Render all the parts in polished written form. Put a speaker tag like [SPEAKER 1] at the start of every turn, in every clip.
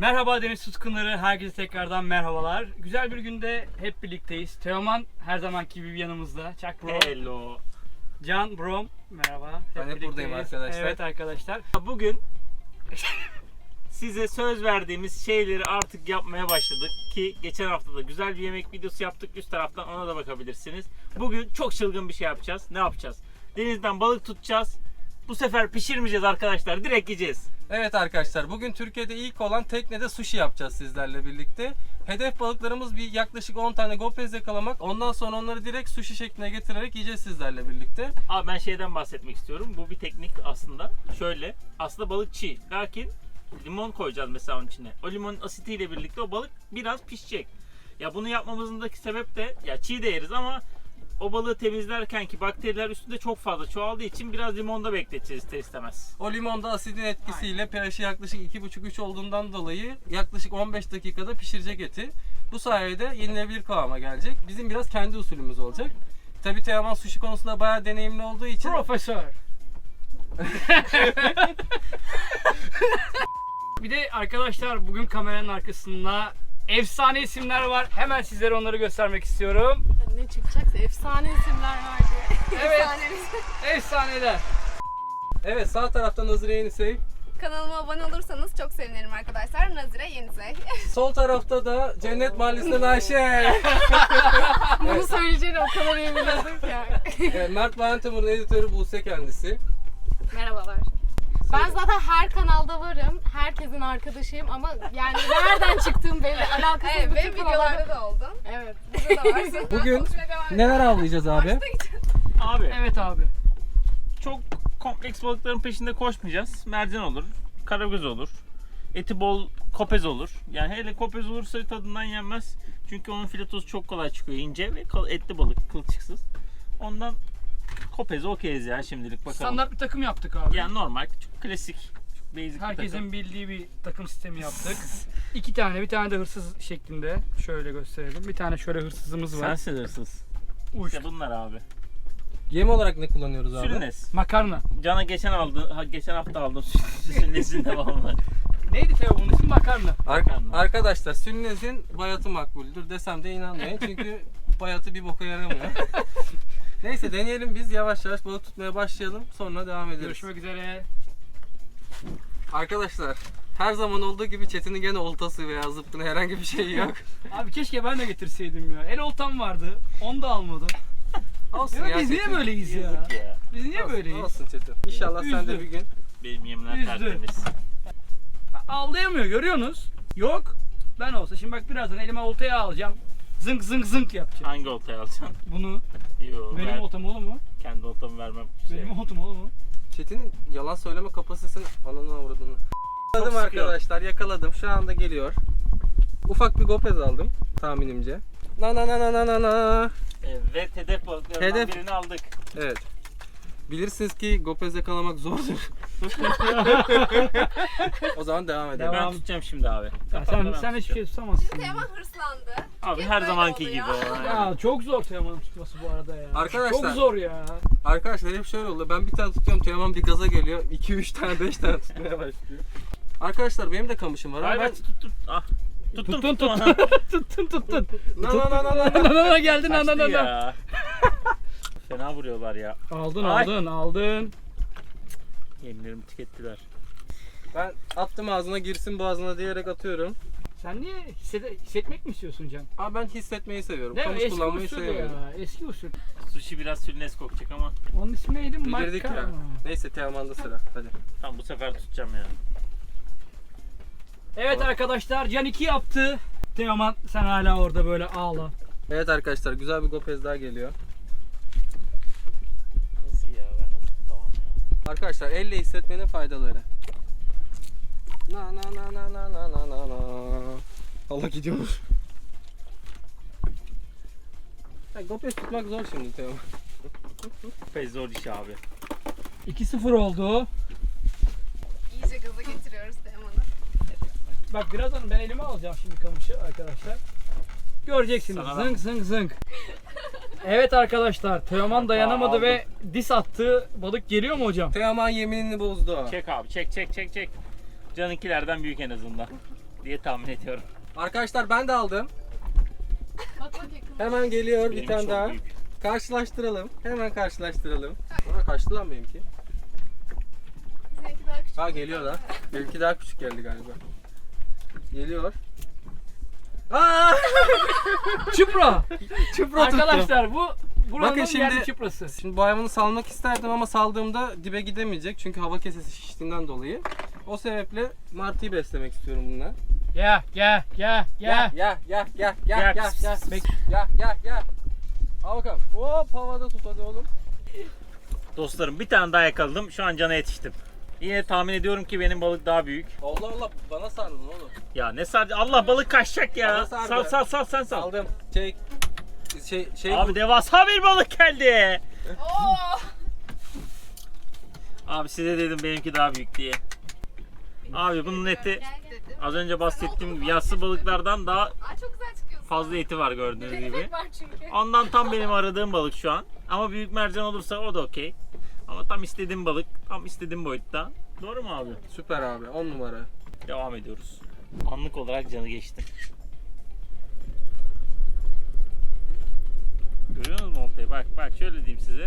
[SPEAKER 1] Merhaba deniz tutkunları, herkese tekrardan merhabalar. Güzel bir günde hep birlikteyiz. Teoman her zamanki gibi yanımızda. Çak bro.
[SPEAKER 2] Hello.
[SPEAKER 1] Can brom, merhaba.
[SPEAKER 3] Ben hep buradayım arkadaşlar.
[SPEAKER 1] Evet arkadaşlar.
[SPEAKER 2] Bugün size söz verdiğimiz şeyleri artık yapmaya başladık ki geçen hafta da güzel bir yemek videosu yaptık. Üst taraftan ona da bakabilirsiniz. Bugün çok çılgın bir şey yapacağız. Ne yapacağız? Denizden balık tutacağız. Bu sefer pişirmeyeceğiz arkadaşlar. Direkt yiyeceğiz.
[SPEAKER 3] Evet arkadaşlar, bugün Türkiye'de ilk olan teknede sushi yapacağız sizlerle birlikte. Hedef balıklarımız bir yaklaşık 10 tane gopez yakalamak. Ondan sonra onları direkt sushi şekline getirerek yiyeceğiz sizlerle birlikte.
[SPEAKER 2] Abi ben şeyden bahsetmek istiyorum. Bu bir teknik aslında. Şöyle. Aslında balık çiğ. Lakin limon koyacağız mesela onun içine. O limonun asitiyle birlikte o balık biraz pişecek. Ya bunu yapmamızındaki sebep de ya çiğ de yeriz ama o balığı temizlerken ki bakteriler üstünde çok fazla çoğaldığı için biraz limonda bekleteceğiz ister istemez.
[SPEAKER 3] O limonda asidin etkisiyle pH'i yaklaşık 2,5-3 olduğundan dolayı yaklaşık 15 dakikada pişirecek eti. Bu sayede yenilebilir kıvama gelecek. Bizim biraz kendi usulümüz olacak. Tabii Teoman sushi konusunda bayağı deneyimli olduğu için
[SPEAKER 1] Profesör. Bir de arkadaşlar bugün kameranın arkasında efsane isimler var. Hemen sizlere onları göstermek istiyorum.
[SPEAKER 4] Ne çıkacaksa efsane isimler var diye.
[SPEAKER 1] Evet.
[SPEAKER 4] Efsanemiz.
[SPEAKER 1] Efsaneler.
[SPEAKER 3] evet, sağ tarafta Nazire Yenisey,
[SPEAKER 4] Kanalıma abone olursanız çok sevinirim arkadaşlar. Nazire Yenisey.
[SPEAKER 3] sol tarafta da Cennet Mahallesi'nden Ayşe.
[SPEAKER 4] Bunu söyleyeceğini o kadar iyi biliyordum ki.
[SPEAKER 3] Mert Valentimur'un editörü Buse kendisi.
[SPEAKER 4] Merhabalar. Ben zaten her kanalda varım. Herkesin arkadaşıyım ama yani nereden çıktığım belli. Alakasız
[SPEAKER 5] Evet,
[SPEAKER 4] bütün
[SPEAKER 5] benim videolarda da oldun.
[SPEAKER 4] Evet.
[SPEAKER 5] Burada da varsın.
[SPEAKER 3] Bugün
[SPEAKER 5] Konuşmaya devam edelim.
[SPEAKER 3] neler avlayacağız abi?
[SPEAKER 2] Abi
[SPEAKER 1] Evet abi.
[SPEAKER 2] çok kompleks balıkların peşinde koşmayacağız. Mercan olur, karagöz olur, eti bol kopez olur. Yani hele kopez olursa tadından yenmez. Çünkü onun filetosu çok kolay çıkıyor, ince ve etli balık, kılçıksız. Ondan kopez okeyiz ya şimdilik bakalım.
[SPEAKER 1] Standart bir takım yaptık abi.
[SPEAKER 2] Yani normal, çok klasik, çok basic bir
[SPEAKER 1] Herkesin
[SPEAKER 2] takım.
[SPEAKER 1] bildiği bir takım sistemi yaptık. İki tane, bir tane de hırsız şeklinde. Şöyle gösterelim. Bir tane şöyle hırsızımız var.
[SPEAKER 2] Sensin hırsız.
[SPEAKER 1] Uç.
[SPEAKER 2] İşte bunlar abi.
[SPEAKER 3] Yem olarak ne kullanıyoruz abi?
[SPEAKER 2] Sülünes.
[SPEAKER 1] Makarna.
[SPEAKER 2] Cana geçen hafta aldım sülünesin devamlı.
[SPEAKER 1] Neydi Teo bunun ismi? Makarna.
[SPEAKER 2] Makarna.
[SPEAKER 3] Arkadaşlar Sülünes'in bayatı makbuldür desem de inanmayın çünkü bayatı bir boka yaramıyor. Neyse deneyelim, biz yavaş yavaş balık tutmaya başlayalım, sonra devam ederiz.
[SPEAKER 1] Görüşmek üzere.
[SPEAKER 3] Arkadaşlar her zaman olduğu gibi Çetin'in gene oltası veya zıpkını herhangi bir şey yok.
[SPEAKER 1] Abi keşke ben de getirseydim ya. El oltam vardı. Onu da almadım.
[SPEAKER 3] Olsun
[SPEAKER 1] Ya biz niye
[SPEAKER 3] Çetin.
[SPEAKER 1] böyleyiz ya?
[SPEAKER 2] Yazık ya.
[SPEAKER 1] Biz niye
[SPEAKER 3] Olsun,
[SPEAKER 1] böyleyiz?
[SPEAKER 3] olsun Çetin. İnşallah sen de
[SPEAKER 1] Üzdü.
[SPEAKER 3] bir gün.
[SPEAKER 2] Benim yemler
[SPEAKER 1] Üzdü.
[SPEAKER 2] tertemiz.
[SPEAKER 1] Avlayamıyor, görüyorsunuz. Yok. Ben olsa şimdi bak birazdan elime oltayı alacağım. Zınk zınk zınk yapacağım.
[SPEAKER 2] Hangi oltayı alacaksın?
[SPEAKER 1] Bunu
[SPEAKER 2] Yo,
[SPEAKER 1] benim
[SPEAKER 2] ben
[SPEAKER 1] oltam olur mu?
[SPEAKER 2] kendi oltamı vermem. Kimseye.
[SPEAKER 1] Benim oltam olur mu?
[SPEAKER 3] Çetin'in yalan söyleme kapasitesini ananı avradını. Yakaladım
[SPEAKER 2] sıkıyor.
[SPEAKER 3] arkadaşlar, yakaladım. Şu anda geliyor. Ufak bir gopez aldım tahminimce. Na na na na na na na.
[SPEAKER 2] Evet, hedef balıklarından
[SPEAKER 3] Hedef-
[SPEAKER 2] birini aldık.
[SPEAKER 3] Evet. Bilirsiniz ki gopez yakalamak zordur. O zaman devam edelim.
[SPEAKER 1] Devam.
[SPEAKER 2] Ben tutacağım şimdi abi.
[SPEAKER 1] Ya
[SPEAKER 2] Kafamda ben
[SPEAKER 1] sen hiçbir şey
[SPEAKER 2] tutacağım.
[SPEAKER 1] tutamazsın.
[SPEAKER 5] Teoman hırslandı.
[SPEAKER 2] Abi
[SPEAKER 5] Hep
[SPEAKER 2] her
[SPEAKER 5] böyle
[SPEAKER 2] zamanki
[SPEAKER 5] oluyor.
[SPEAKER 2] gibi.
[SPEAKER 1] Ya çok zor Teoman'ın tutması bu arada ya.
[SPEAKER 3] Arkadaşlar-
[SPEAKER 1] Çok zor ya.
[SPEAKER 3] Arkadaşlar hep şöyle oluyor. Ben bir tane tutuyorum, Teoman bir gaza geliyor. 2-3 tane 5 tane tutmaya başlıyor. Arkadaşlar benim de kamışım var.
[SPEAKER 2] Hayır
[SPEAKER 3] ama
[SPEAKER 2] ben tut. Ah. Tuttum
[SPEAKER 1] Tuttun
[SPEAKER 2] tuttum.
[SPEAKER 1] tuttun.
[SPEAKER 3] Na na na na na.
[SPEAKER 1] Nanana geldin
[SPEAKER 2] Kaçtı
[SPEAKER 1] nanana.
[SPEAKER 2] ya. Fena vuruyorlar ya.
[SPEAKER 1] Aldın
[SPEAKER 2] Ay.
[SPEAKER 1] aldın.
[SPEAKER 2] Yemlerimi tükettiler.
[SPEAKER 3] Ben attım ağzına girsin boğazına diyerek atıyorum.
[SPEAKER 1] Sen niye hissetmek mi istiyorsun Can?
[SPEAKER 3] Ama ben hissetmeyi seviyorum.
[SPEAKER 1] Değil mi?
[SPEAKER 3] Kamış
[SPEAKER 1] Eski
[SPEAKER 3] kullanmayı
[SPEAKER 1] usul
[SPEAKER 3] sevmiyorum.
[SPEAKER 1] ya. Eski usul.
[SPEAKER 2] Sushi biraz sülnes kokacak ama
[SPEAKER 1] Onun ismi neydi?
[SPEAKER 3] Bilirdik ya.
[SPEAKER 1] Makarna.
[SPEAKER 3] Neyse Teoman'da sıra. Hadi.
[SPEAKER 2] tam bu sefer tutacağım yani.
[SPEAKER 1] Evet arkadaşlar Can 2 yaptı. Teoman sen hala orada böyle ağla.
[SPEAKER 3] Evet arkadaşlar, güzel bir gopez daha geliyor.
[SPEAKER 2] Nasıl ya, ben nasıl tutamam ya.
[SPEAKER 3] Arkadaşlar elle hissetmenin faydaları. Na na na na na na na na na. Allah gidiyor. Ya, gopez tutmak zor şimdi Teoman.
[SPEAKER 2] Pek zor iş abi.
[SPEAKER 1] 2-0 oldu.
[SPEAKER 5] İyice gaza getiriyoruz Teoman'ı.
[SPEAKER 1] Bak birazdan ben elime alacağım şimdi kamışı arkadaşlar. Göreceksiniz.
[SPEAKER 2] Sana
[SPEAKER 1] Zınk zınk zınk. Evet arkadaşlar Teoman dayanamadı
[SPEAKER 2] Aldım.
[SPEAKER 1] ve dis attı. Balık geliyor mu hocam?
[SPEAKER 3] Teoman yeminini bozdu.
[SPEAKER 2] Çek abi, çek. Canınkilerden büyük en azından. diye tahmin ediyorum.
[SPEAKER 3] Arkadaşlar ben de aldım.
[SPEAKER 4] Bak bak yakın.
[SPEAKER 3] Hemen geliyor bir
[SPEAKER 2] Benim
[SPEAKER 3] tane
[SPEAKER 2] çok
[SPEAKER 3] daha.
[SPEAKER 2] büyük.
[SPEAKER 3] Karşılaştıralım. Hemen karşılaştıralım. Bana kaçtı lan benimki.
[SPEAKER 5] Sizinki daha küçük.
[SPEAKER 3] Ha geliyor da. Benimki daha küçük geldi galiba. Geliyor. Aa!
[SPEAKER 1] Çupra.
[SPEAKER 3] Çıpra tuttu.
[SPEAKER 1] Arkadaşlar bu buranın
[SPEAKER 3] Bakın şimdi-
[SPEAKER 1] yerli çuprası.
[SPEAKER 3] Şimdi bu hayvanı salmak isterdim ama saldığımda dibe gidemeyecek. Çünkü hava kesesi şiştiğinden dolayı. O sebeple martıyı beslemek istiyorum bununla.
[SPEAKER 1] Ya.
[SPEAKER 3] Ya. Ya. Al bakalım. Hop havada tut hadi oğlum.
[SPEAKER 2] Dostlarım bir tane daha yakaladım. Şu an cana yetiştim. Yine tahmin ediyorum ki benim balık daha büyük.
[SPEAKER 3] Allah Allah bana sardın oğlum.
[SPEAKER 2] Ya ne sardı? Allah balık kaçacak ya.
[SPEAKER 3] Bana sardı.
[SPEAKER 2] Sal sen sal.
[SPEAKER 3] Aldım. Şey
[SPEAKER 2] Abi devasa bir balık geldi.
[SPEAKER 5] Oo!
[SPEAKER 2] Abi size dedim benimki daha büyük diye. Abi bunun eti
[SPEAKER 5] Dedim.
[SPEAKER 2] az önce bahsettiğim gibi yassı balıklardan daha
[SPEAKER 5] Aa, çok güzel çıkıyorsun.
[SPEAKER 2] fazla eti var gördüğünüz gibi.
[SPEAKER 5] Ekmek var çünkü.
[SPEAKER 2] Ondan tam benim aradığım balık şu an. Ama büyük mercan olursa o da okey. Ama tam istediğim balık, tam istediğim boyutta. Doğru mu abi?
[SPEAKER 3] süper abi 10 numara.
[SPEAKER 2] Devam ediyoruz. Anlık olarak canı geçti. Görüyorsunuz mu oltayı? Bak şöyle diyeyim size.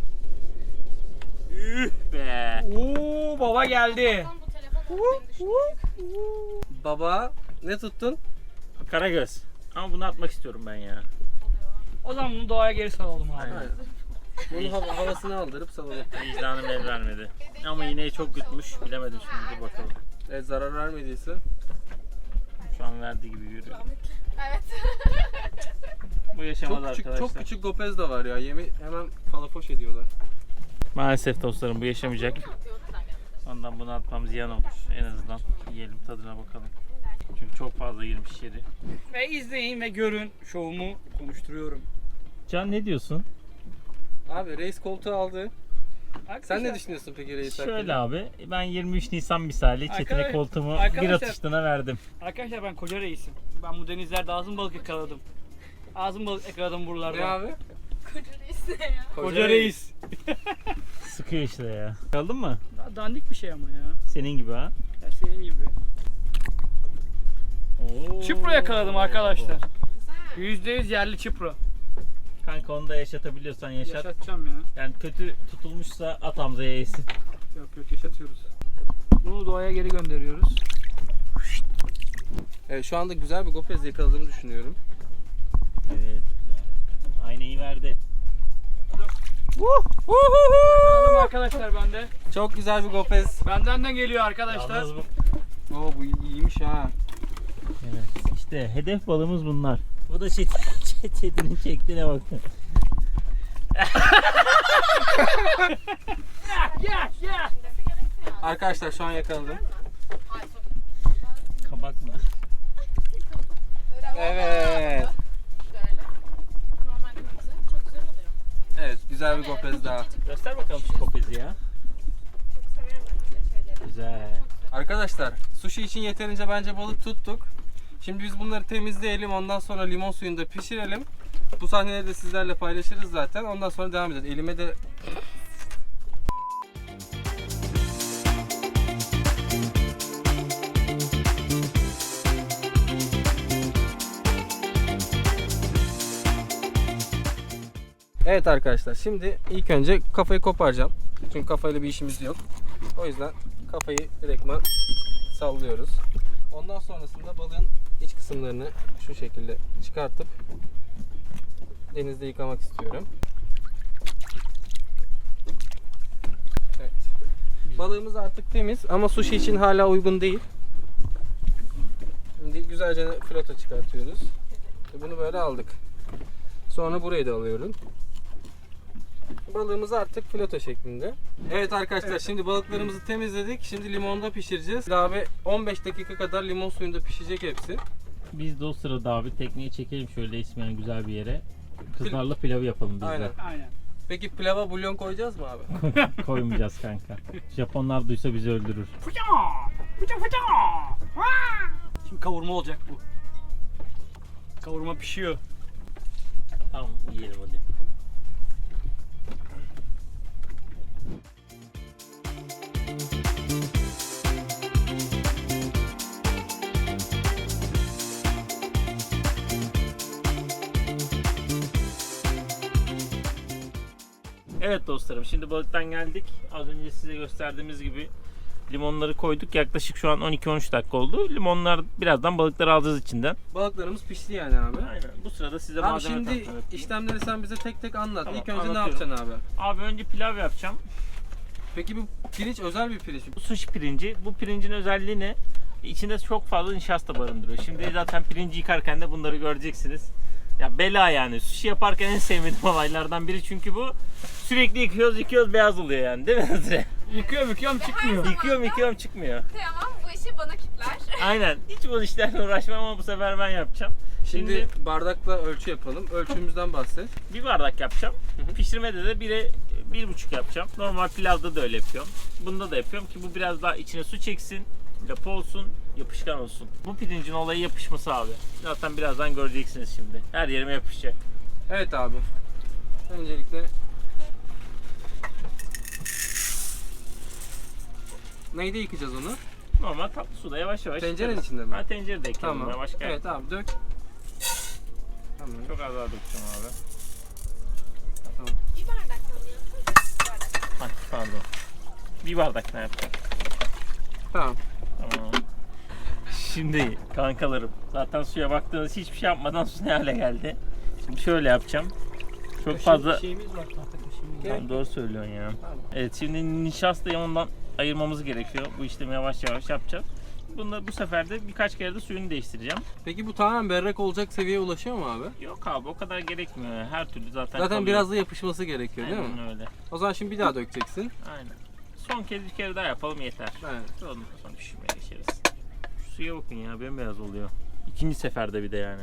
[SPEAKER 2] Üh be.
[SPEAKER 1] Oo baba geldi.
[SPEAKER 4] Bu telefon beni düşünüyor.
[SPEAKER 3] Baba ne tuttun?
[SPEAKER 2] Karagöz. Ama bunu atmak istiyorum ben ya.
[SPEAKER 1] O zaman bunu doğaya geri salalım abi.
[SPEAKER 2] Aynen.
[SPEAKER 3] Bunu havasını aldırıp salalım.
[SPEAKER 2] Vicdanım el vermedi. Ama iğneyi çok yutmuş. Bilemedim şimdi. Dur bakalım.
[SPEAKER 3] Evet zarar vermediyse.
[SPEAKER 2] Şu an verdiği gibi görüyorum.
[SPEAKER 5] Evet.
[SPEAKER 2] Bu yaşamaz
[SPEAKER 3] Çok küçük,
[SPEAKER 2] arkadaşlar.
[SPEAKER 3] çok küçük gopez de var ya. Yemi hemen palafoş ediyorlar.
[SPEAKER 2] Maalesef dostlarım bu yaşamayacak. Ondan bunu atmam ziyan olur. En azından yiyelim tadına bakalım. Çünkü çok fazla girmiş içeri.
[SPEAKER 1] Ve izleyin ve görün şovumu konuşturuyorum.
[SPEAKER 2] Can ne diyorsun?
[SPEAKER 3] Abi reis koltuğu aldı. Sen
[SPEAKER 1] Arkadaşlar,
[SPEAKER 3] ne düşünüyorsun peki reis hakkında?
[SPEAKER 2] Şöyle abi ben 23 Nisan misali Çetin'e
[SPEAKER 1] Arkadaş-
[SPEAKER 2] koltuğumu bir
[SPEAKER 1] arkadaşlar-
[SPEAKER 2] atıştığına verdim.
[SPEAKER 1] Arkadaşlar ben koca reisim. Ben bu denizlerde ağzım balık yakaladım. Ağzım balık yakaladım buralarda.
[SPEAKER 3] Ne abi?
[SPEAKER 5] Koca reis ne ya?
[SPEAKER 1] Koca reis.
[SPEAKER 2] Sıkıyor işte ya. Kaldın mı?
[SPEAKER 1] Daha dandik bir şey ama ya.
[SPEAKER 2] Senin gibi ha.
[SPEAKER 1] Ya senin gibi.
[SPEAKER 2] Oo.
[SPEAKER 1] Çipro yakaladım arkadaşlar.
[SPEAKER 5] Güzel.
[SPEAKER 1] %100 yerli çipro.
[SPEAKER 2] Kanka onu da yaşatabiliyorsan yaşat.
[SPEAKER 1] Yaşatacağım ya.
[SPEAKER 2] Yani kötü tutulmuşsa at Hamza'ya yesin.
[SPEAKER 1] Yok yaşatıyoruz. Bunu doğaya geri gönderiyoruz.
[SPEAKER 3] Evet şu anda güzel bir gopez yakaladığımı düşünüyorum.
[SPEAKER 2] Evet. Aynayı verdi.
[SPEAKER 1] Yakaladım arkadaşlar bende.
[SPEAKER 3] Çok güzel bir gopez.
[SPEAKER 1] Benden de geliyor arkadaşlar.
[SPEAKER 2] Yalnız bu.
[SPEAKER 3] Oo bu iyiymiş ha.
[SPEAKER 2] Evet. İşte hedef balığımız bunlar. Bu da Çetin'in çektiğine bakın.
[SPEAKER 1] Ya.
[SPEAKER 3] Arkadaşlar şu an yakaladım.
[SPEAKER 2] Kabak mı?
[SPEAKER 3] Evet.
[SPEAKER 4] Şöyle. Normal kırmızı. Çok güzel oluyor.
[SPEAKER 3] Evet güzel bir gopez daha.
[SPEAKER 2] Göster bakalım şu kopezi ya.
[SPEAKER 5] Çok severim ben öyle şeyleri.
[SPEAKER 2] Güzel.
[SPEAKER 3] Arkadaşlar sushi için yeterince bence balık tuttuk. Şimdi biz bunları temizleyelim ondan sonra limon suyunda pişirelim. Bu sahneleri de sizlerle paylaşırız zaten. Ondan sonra devam edeceğiz. Elime de Evet arkadaşlar şimdi ilk önce kafayı koparacağım. Çünkü kafayla bir işimiz yok. O yüzden kafayı direktman sallıyoruz. Ondan sonrasında balığın iç kısımlarını şu şekilde çıkartıp denizde yıkamak istiyorum. Evet. Balığımız artık temiz ama sushi için hala uygun değil. Şimdi güzelce fileto çıkartıyoruz. Bunu böyle aldık. Sonra burayı da alıyorum. Balığımız artık fileto şeklinde. Evet arkadaşlar şimdi balıklarımızı temizledik. Şimdi limonda pişireceğiz. Abi 15 dakika kadar limon suyunda pişecek hepsi.
[SPEAKER 2] Biz de o sırada abi tekneyi çekelim şöyle ismeyen güzel bir yere. Kızlarla pilavı yapalım biz de.
[SPEAKER 3] Aynen.
[SPEAKER 1] Aynen.
[SPEAKER 3] Peki pilava bulyon koyacağız mı abi?
[SPEAKER 2] Koymayacağız kanka. Japonlar duysa bizi öldürür.
[SPEAKER 1] Fıça! Şimdi kavurma olacak bu. Kavurma pişiyor.
[SPEAKER 2] Tamam yiyelim hadi. Evet dostlarım, şimdi balıktan geldik. Az önce size gösterdiğimiz gibi limonları koyduk. Yaklaşık şu an 12-13 dakika oldu. Limonlar birazdan balıkları alacağız içinden.
[SPEAKER 3] Balıklarımız pişti yani abi.
[SPEAKER 2] Aynen. Bu sırada size
[SPEAKER 3] Abi
[SPEAKER 2] malzeme
[SPEAKER 3] şimdi
[SPEAKER 2] tanıtım yapayım.
[SPEAKER 3] işlemleri sen bize tek tek anlat.
[SPEAKER 2] Tamam,
[SPEAKER 3] İlk önce ne
[SPEAKER 2] anlatıyorum.
[SPEAKER 3] yapacaksın abi?
[SPEAKER 2] Abi önce pilav yapacağım.
[SPEAKER 3] Peki bu pirinç özel bir pirinç mi?
[SPEAKER 2] Bu sushi pirinci. Bu pirincin özelliği ne? İçinde çok fazla nişasta barındırıyor. Şimdi zaten pirinci yıkarken de bunları göreceksiniz. Ya bela yani. Sushi yaparken en sevmediğim olaylardan biri, çünkü bu sürekli yıkıyoruz beyaz oluyor yani, değil mi Nazire?
[SPEAKER 1] Yıkıyorum çıkmıyor.
[SPEAKER 2] Yıkıyorum çıkmıyor.
[SPEAKER 5] Tamam, bu işi bana kitler.
[SPEAKER 2] Aynen. Hiç bu işlerle uğraşmam ama bu sefer ben yapacağım.
[SPEAKER 3] Şimdi bardakla ölçü yapalım. Ölçümüzden bahset.
[SPEAKER 2] Bir bardak yapacağım. Pişirmede de 1'e 1,5 yapacağım. Normal pilavda da öyle yapıyorum. Bunda da yapıyorum ki bu biraz daha içine su çeksin, lapa olsun, yapışkan olsun. Bu pirincin olayı yapışması abi. Zaten birazdan göreceksiniz şimdi. Her yerime yapışacak.
[SPEAKER 3] Evet abi. Öncelikle neyde yıkayacağız onu?
[SPEAKER 2] Normal tatlı suda yavaş yavaş.
[SPEAKER 3] Tencerenin
[SPEAKER 2] yıkarız.
[SPEAKER 3] içinde mi?
[SPEAKER 2] Ha, tencerede ekleyelim.
[SPEAKER 3] Tamam.
[SPEAKER 2] Yavaş gel.
[SPEAKER 3] Evet abi dök. Tamam.
[SPEAKER 2] Çok az daha dökeceğim abi.
[SPEAKER 3] Tamam.
[SPEAKER 5] Bir bardaktan mı yaptın? Bir bardak.
[SPEAKER 2] Ay, pardon. Bir bardak ne yapacağım?
[SPEAKER 3] Tamam.
[SPEAKER 2] Tamam. Şimdi kankalarım, zaten suya baktığınız hiçbir şey yapmadan su ne hale geldi. Şimdi şöyle yapacağım. Çok fazla...
[SPEAKER 1] Şeyimiz var, tahta kaşığımız.
[SPEAKER 2] Tamam, doğru söylüyorsun ya.
[SPEAKER 3] Tamam.
[SPEAKER 2] Evet, şimdi nişastayı ondan ayırmamız gerekiyor. Bu işlemi yavaş yavaş yapacağız. Bunda bu sefer de birkaç kere de suyunu değiştireceğim.
[SPEAKER 3] Peki bu tamamen berrak olacak seviyeye ulaşıyor mu abi?
[SPEAKER 2] Yok abi, o kadar gerekmiyor. Her türlü zaten
[SPEAKER 3] Zaten
[SPEAKER 2] kalıyor.
[SPEAKER 3] biraz da yapışması gerekiyor değil mi?
[SPEAKER 2] Aynen öyle.
[SPEAKER 3] O zaman şimdi bir daha dökeceksin.
[SPEAKER 2] Aynen. Son kez bir kere daha yapalım yeter.
[SPEAKER 3] Aynen.
[SPEAKER 2] Ondan sonra pişirmeye geçeriz. Şu suya bakın ya, bembeyaz oluyor. İkinci seferde bir de yani.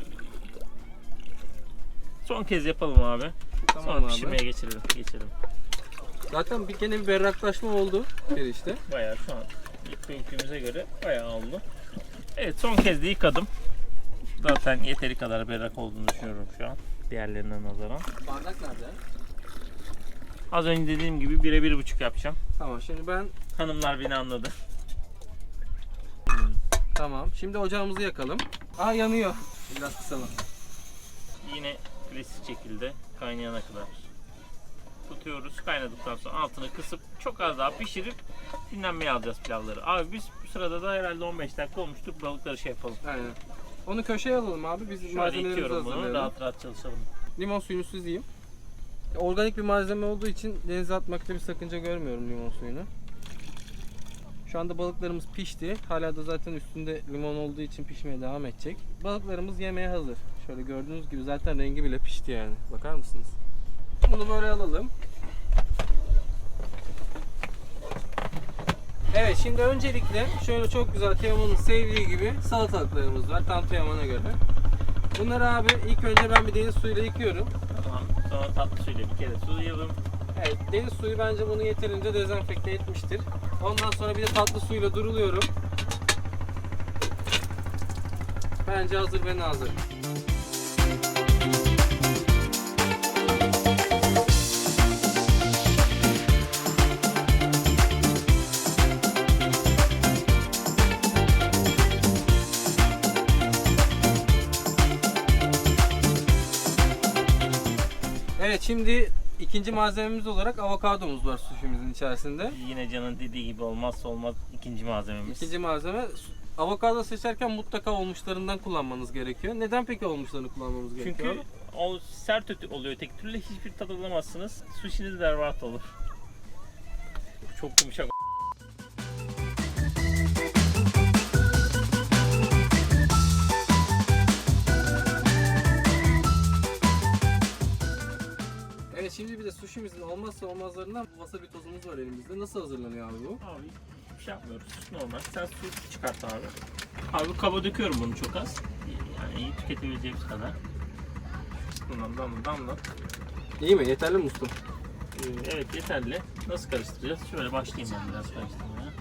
[SPEAKER 2] Son kez yapalım abi.
[SPEAKER 3] Tamam
[SPEAKER 2] Sonra
[SPEAKER 3] abi.
[SPEAKER 2] pişirmeye geçelim.
[SPEAKER 3] Zaten gene bir berraklaşma oldu işte.
[SPEAKER 2] Bayağı şu an ilk büyüklüğümüze göre bayağı oldu. Evet, son kez de yıkadım. Zaten yeteri kadar berrak olduğunu düşünüyorum şu an. Diğerlerinden nazaran.
[SPEAKER 3] Bardak nerede?
[SPEAKER 2] Az önce dediğim gibi 1'e 1,5 yapacağım.
[SPEAKER 3] Tamam şimdi ben
[SPEAKER 2] Hanımlar beni anladı.
[SPEAKER 3] tamam. Şimdi ocağımızı yakalım. Aa yanıyor. Biraz kısalım.
[SPEAKER 2] Yine klasik şekilde kaynayana kadar tutuyoruz. Kaynadıktan sonra altını kısıp çok az daha pişirip dinlenmeye alacağız pilavları. Abi biz bu sırada da herhalde 15 dakika olmuştur. Balıkları şey yapalım.
[SPEAKER 3] Aynen. Onu köşeye alalım abi. Biz
[SPEAKER 2] Şöyle
[SPEAKER 3] malzemelerimizi
[SPEAKER 2] itiyorum bunu.
[SPEAKER 3] hazırlayalım.
[SPEAKER 2] Rahat rahat çalışalım.
[SPEAKER 3] Limon suyunu süzeyim. Organik bir malzeme olduğu için denize atmakta bir sakınca görmüyorum limon suyunu. Şu anda balıklarımız pişti. Hala da zaten üstünde limon olduğu için pişmeye devam edecek. Balıklarımız yemeğe hazır. Şöyle gördüğünüz gibi zaten rengi bile pişti yani. Bakar mısınız? Bunu böyle alalım. Evet, şimdi öncelikle şöyle çok güzel Teoman'ın sevdiği gibi salatalıklarımız var tam Teoman'a göre. Bunları abi ilk önce ben bir deniz suyuyla yıkıyorum.
[SPEAKER 2] Tamam. Sonra tatlı suyla bir kere sulayalım.
[SPEAKER 3] Evet, deniz suyu bence bunu yeterince dezenfekte etmiştir. Ondan sonra bir de tatlı suyla duruluyorum. Bence hazır ve nazır. Evet, şimdi ikinci malzememiz olarak avokadomuz var suşimizin içerisinde.
[SPEAKER 2] Yine Can'ın dediği gibi olmazsa olmaz ikinci malzememiz.
[SPEAKER 3] İkinci malzeme, avokado seçerken mutlaka olmuşlarından kullanmanız gerekiyor. Neden peki olmuşlarını kullanmamız gerekiyor?
[SPEAKER 2] Çünkü o sert oluyor, tek türlü hiçbir tat alamazsınız. Sushi'niz berbat olur. Çok yumuşak.
[SPEAKER 3] Evet, şimdi bir de sushimizin olmazsa olmazlarından wasabi tozumuz var elimizde. Nasıl hazırlanıyor abi bu?
[SPEAKER 2] Abi bir şey yapmıyoruz. Normal. Sen su çıkart abi. Abi kaba döküyorum bunu çok az. Yani iyi tüketebileceğimiz kadar. Bundan damla.
[SPEAKER 3] İyi mi? Yeterli mi ustam?
[SPEAKER 2] Evet, yeterli. Nasıl karıştıracağız? Şöyle başlayayım ben biraz karıştırmaya.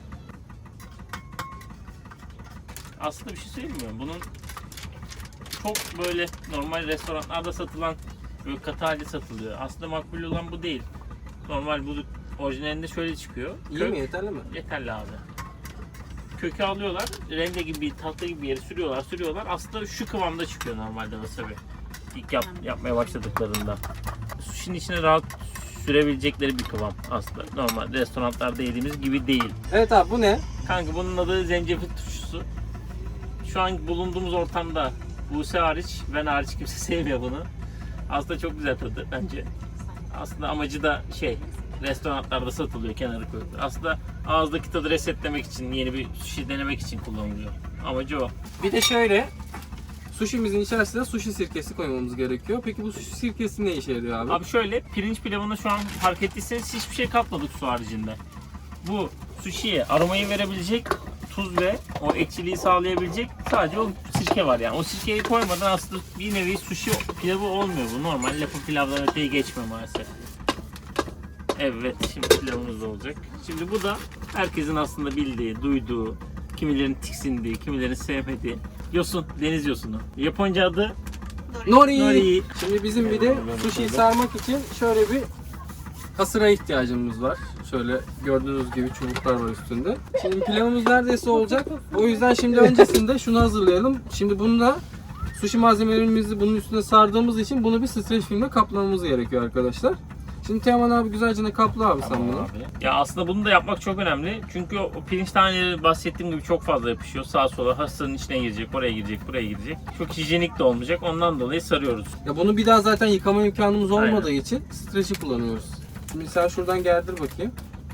[SPEAKER 2] Aslında bir şey söyleyeyim mi? Bunun çok böyle normal restoranlarda satılan böyle katı halde satılıyor. Aslında makbul olan bu değil. Normal bu orijinalinde şöyle çıkıyor.
[SPEAKER 3] İyi mi? Yeterli mi?
[SPEAKER 2] Yeterli abi. Kökü alıyorlar, rende gibi, tahta gibi bir yere sürüyorlar. Aslında şu kıvamda çıkıyor normalde wasabi. İlk yapmaya başladıklarında. Sushi'nin içine rahat sürebilecekleri bir kıvam aslında. Normal restoranlarda yediğimiz gibi değil.
[SPEAKER 3] Evet abi bu ne?
[SPEAKER 2] Kanka bunun adı zencefil turşusu. Şu an bulunduğumuz ortamda Buse hariç, ben hariç kimse sevmiyor bunu. Aslında çok güzel tadı bence. Aslında amacı da restoranlarda satılıyor, kenarı koyuluyor. Aslında ağızdaki tadı resetlemek için, yeni bir sushi denemek için kullanılıyor. Amacı o.
[SPEAKER 3] Bir de şöyle suşimizin içerisine sushi sirkesi koymamız gerekiyor. Peki bu sushi sirkesi ne işe yarıyor abi?
[SPEAKER 2] Abi şöyle, pirinç pilavına şu an fark ettiyseniz hiçbir şey katmadık su haricinde. Bu sushi'ye aromayı verebilecek tuz ve o ekşiliği sağlayabilecek sadece o sirke var yani. O sirkeyi koymadan aslında bir nevi sushi pilavı olmuyor bu. Normal lapa pilavdan öteye geçme maalesef. Evet, şimdi pilavımız da olacak. Şimdi bu da herkesin aslında bildiği, duyduğu, kimilerin tiksindiği, kimilerin sevmediği yosun, deniz yosunu. Japonca adı
[SPEAKER 3] Nori.
[SPEAKER 2] nori.
[SPEAKER 3] Şimdi bizim bir de sushi'yi sarmak için şöyle bir kasıra ihtiyacımız var. Şöyle gördüğünüz gibi çubuklar var üstünde. Şimdi pilavımız neredeyse olacak. O yüzden şimdi öncesinde şunu hazırlayalım. Şimdi bununla sushi malzemelerimizi bunun üstüne sardığımız için bunu bir streç filmle kaplamamız gerekiyor arkadaşlar. Şimdi Teoman abi güzelce kapla abi sen
[SPEAKER 2] Tamam
[SPEAKER 3] bunu.
[SPEAKER 2] abi. Ya aslında bunu da yapmak çok önemli. Çünkü o pirinç taneleri bahsettiğim gibi çok fazla yapışıyor. Sağa sola hastanın içine girecek, oraya girecek, buraya girecek. Çok hijyenik de olmayacak. Ondan dolayı sarıyoruz.
[SPEAKER 3] Ya bunu bir daha zaten yıkama imkanımız olmadığı
[SPEAKER 2] Aynen.
[SPEAKER 3] için streç'i kullanıyoruz. Şimdi sen şuradan gerdir bakayım.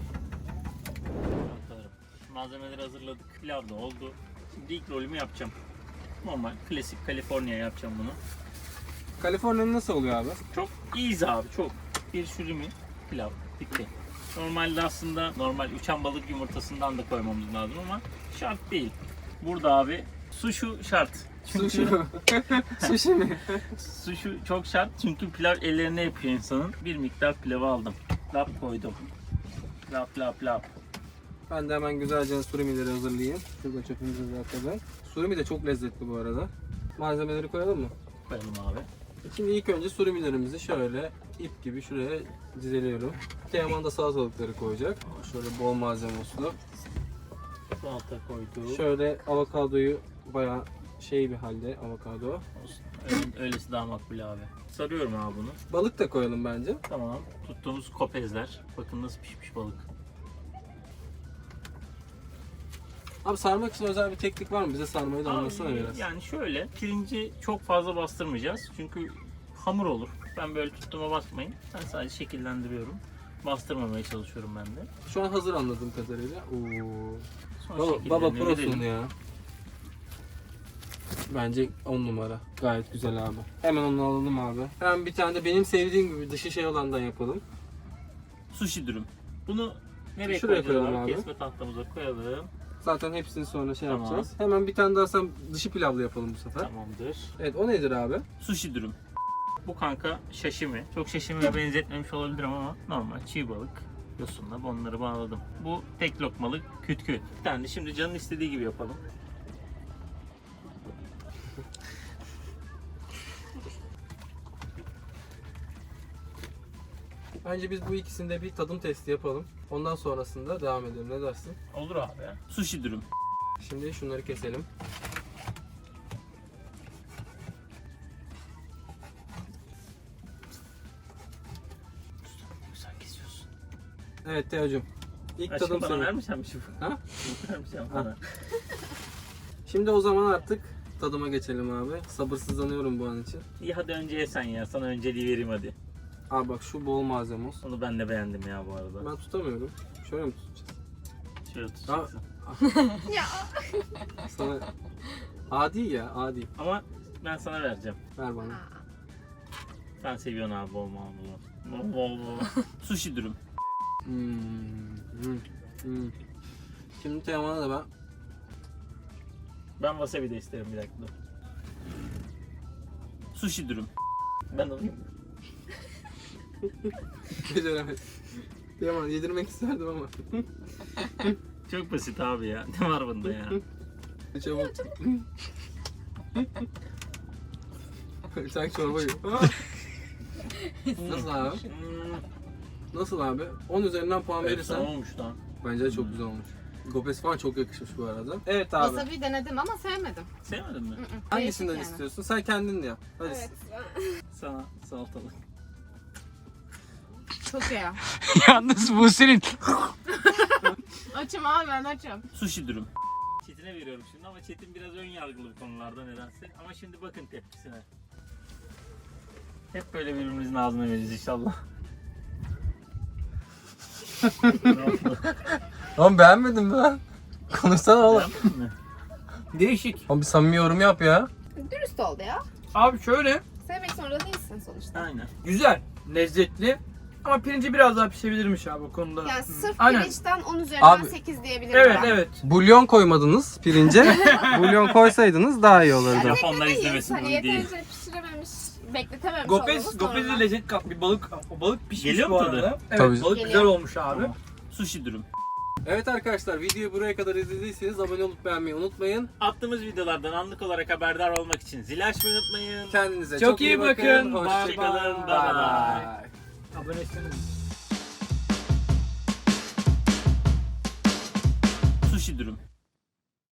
[SPEAKER 2] Malzemeleri hazırladık. Pilav da oldu. Şimdi ilk rolümü yapacağım. Normal, klasik Kaliforniya yapacağım bunu.
[SPEAKER 3] Kaliforniya nasıl oluyor abi?
[SPEAKER 2] Çok easy abi, çok. Bir sürümü pilav, bitti. Normalde aslında normal uçan balık yumurtasından da koymamız lazım ama şart değil. Burada abi suşu şart.
[SPEAKER 3] Sushi. Sushi mi?
[SPEAKER 2] Suşu çok şart çünkü pilav ellerine yapıyor insanın. Bir miktar pilavı aldım. Lap koydum. Lap lap lap.
[SPEAKER 3] Ben de hemen güzelce surimileri hazırlayayım. Şurada çöpümüzü zaten. Surimi de çok lezzetli bu arada. Malzemeleri koyalım mı?
[SPEAKER 2] Koyalım abi.
[SPEAKER 3] Şimdi ilk önce surimilerimizi şöyle ip gibi şuraya dizeliyorum. Teoman da salatalıkları koyacak. Şöyle bol malzeme olsun.
[SPEAKER 2] Salata koyduk.
[SPEAKER 3] Şöyle avokadoyu bayağı bir halde avokado.
[SPEAKER 2] Olsun. Öylesi daha makbul abi. Sarıyorum abi bunu.
[SPEAKER 3] Balık da koyalım bence.
[SPEAKER 2] Tamam. Tuttuğumuz kopezler. Bakın nasıl pişmiş balık.
[SPEAKER 3] Abi sarmak için özel bir teknik var mı? Bize sarmayı da anlatsana
[SPEAKER 2] Abi,
[SPEAKER 3] biraz.
[SPEAKER 2] yani şöyle, pirinci çok fazla bastırmayacağız çünkü hamur olur. Ben böyle tuttuğuma basmayın. Ben sadece şekillendiriyorum. Bastırmamaya çalışıyorum ben de.
[SPEAKER 3] Şu an hazır anladığım kadarıyla. Oo.
[SPEAKER 2] Sonra
[SPEAKER 3] Baba
[SPEAKER 2] şekillerini
[SPEAKER 3] prosun
[SPEAKER 2] verelim.
[SPEAKER 3] ya. Bence 10 numara. Gayet güzel abi. Hemen onu alalım abi. Hemen bir tane de benim sevdiğim gibi dışı olandan yapalım.
[SPEAKER 2] Sushi dürüm. Bunu nereye
[SPEAKER 3] Şuraya
[SPEAKER 2] koyacağız
[SPEAKER 3] koyalım abi.
[SPEAKER 2] Kesme tahtamıza koyalım.
[SPEAKER 3] Zaten hepsini sonra
[SPEAKER 2] Tamam.
[SPEAKER 3] yapacağız. Hemen bir tane daha sen dışı pilavlı yapalım bu sefer.
[SPEAKER 2] Tamamdır.
[SPEAKER 3] Evet o nedir abi?
[SPEAKER 2] Sushi dürüm. Bu kanka şaşimi. Çok şaşimiye benzetmemiş olabilirim ama normal çiğ balık. Yosunla onları bağladım. Bu tek lokmalık küt küt. Bir tane de şimdi canın istediği gibi yapalım.
[SPEAKER 3] Bence biz bu ikisinde bir tadım testi yapalım. Ondan sonrasında devam edelim. Ne dersin?
[SPEAKER 2] Olur abi ya. Sushi dürüm.
[SPEAKER 3] Şimdi şunları keselim.
[SPEAKER 2] Güzel kesiyorsun.
[SPEAKER 3] Evet Teo'cum. İlk
[SPEAKER 2] Aşkım
[SPEAKER 3] tadım
[SPEAKER 2] bana
[SPEAKER 3] senin.
[SPEAKER 2] vermişsin bu.
[SPEAKER 3] Ha?
[SPEAKER 2] Vermişsin bana.
[SPEAKER 3] Şimdi o zaman artık tadıma geçelim abi. Sabırsızlanıyorum bu an için.
[SPEAKER 2] İyi hadi önce ye sen ya. Sana önceliği vereyim hadi.
[SPEAKER 3] Abi bak şu bol malzeme olsun.
[SPEAKER 2] Onu ben de beğendim ya bu arada.
[SPEAKER 3] Ben tutamıyorum. Şöyle mi tutacağız?
[SPEAKER 2] Şöyle tutacaksın.
[SPEAKER 5] Ya.
[SPEAKER 3] Sana... Adi ya adi.
[SPEAKER 2] Ama ben sana vereceğim.
[SPEAKER 3] Ver bana.
[SPEAKER 2] Sen seviyorsun abi bol bol. Bol bol. Sushi dürüm.
[SPEAKER 3] Şimdi Teoman'a da ben
[SPEAKER 2] Ben wasabi de isterim bir dakika. Sushi dürüm. Ben alayım.
[SPEAKER 3] beceremedim. Teoman yedirmek isterdim ama.
[SPEAKER 2] Çok basit abi ya. Ne var bunda ya?
[SPEAKER 3] Çabuk. Sen çorba yiyor. Nasıl abi? Nasıl abi? 10 üzerinden puan
[SPEAKER 2] Verirsen
[SPEAKER 3] verirsen
[SPEAKER 2] olmuş lan.
[SPEAKER 3] bence de çok güzel olmuş. Gopes falan çok yakışmış bu arada. Evet abi.
[SPEAKER 4] Wasabi denedim ama sevmedim.
[SPEAKER 2] Sevmedin mi?
[SPEAKER 3] Hangisinden
[SPEAKER 4] Değişik yani.
[SPEAKER 3] istiyorsun? Sen kendin de yap. Hadi.
[SPEAKER 5] Evet.
[SPEAKER 2] Sana salatalık.
[SPEAKER 4] Çok iyi.
[SPEAKER 1] Yalnız bu senin.
[SPEAKER 4] Açım abi ben açım.
[SPEAKER 2] Sushi dürüm. Çetin'e veriyorum şimdi ama Çetin biraz ön yargılı bu konularda nedense. Ama şimdi bakın tepkisine. Hep böyle birbirimizin ağzına veririz inşallah.
[SPEAKER 3] Oğlum beğenmedin mi lan? Konuşsana oğlum.
[SPEAKER 2] Beğendin mi?
[SPEAKER 1] Değişik.
[SPEAKER 3] Oğlum bir samimi yorum yap ya.
[SPEAKER 5] Dürüst oldu ya.
[SPEAKER 1] Abi şöyle
[SPEAKER 5] Sevmek zorunda değilsin sonuçta.
[SPEAKER 2] Aynen.
[SPEAKER 1] güzel, lezzetli. Ama pirinci biraz daha pişebilirmiş abi o konuda.
[SPEAKER 5] Yani sırf
[SPEAKER 1] Aynen.
[SPEAKER 5] pirinçten 10 üzerinden
[SPEAKER 3] Abi,
[SPEAKER 5] 8 diyebilirim
[SPEAKER 1] Evet
[SPEAKER 5] ben.
[SPEAKER 1] evet.
[SPEAKER 3] Bulyon koymadınız pirince. Bulyon koysaydınız daha iyi olurdu.
[SPEAKER 2] Japonlar
[SPEAKER 5] Beklemeyiz.
[SPEAKER 2] izlemesin
[SPEAKER 5] Hani
[SPEAKER 2] bu videoyu.
[SPEAKER 5] yeterince pişirememiş, bekletememiş
[SPEAKER 1] Gopez,
[SPEAKER 5] olmamız
[SPEAKER 1] Gopez'e
[SPEAKER 5] normal.
[SPEAKER 1] lezzet kat bir balık. O balık pişmiş
[SPEAKER 2] Geliyor
[SPEAKER 1] bu
[SPEAKER 2] mu
[SPEAKER 1] arada.
[SPEAKER 2] tadı?
[SPEAKER 1] Evet,
[SPEAKER 3] Tabii.
[SPEAKER 1] balık
[SPEAKER 5] Geliyor.
[SPEAKER 1] güzel olmuş abi.
[SPEAKER 2] Sushi dürüm.
[SPEAKER 3] Evet arkadaşlar, videoyu buraya kadar izlediyseniz abone olup beğenmeyi unutmayın.
[SPEAKER 2] Attığımız videolardan anlık olarak haberdar olmak için zil açmayı unutmayın.
[SPEAKER 3] Kendinize
[SPEAKER 1] Çok
[SPEAKER 3] çok
[SPEAKER 1] iyi
[SPEAKER 3] iyi
[SPEAKER 1] bakın.
[SPEAKER 3] bakın.
[SPEAKER 1] Bye
[SPEAKER 3] Hoşçakalın.
[SPEAKER 2] bye.
[SPEAKER 3] Bye
[SPEAKER 2] Bye.
[SPEAKER 3] bye.
[SPEAKER 1] Abonesiniz.
[SPEAKER 2] Sushi dürüm.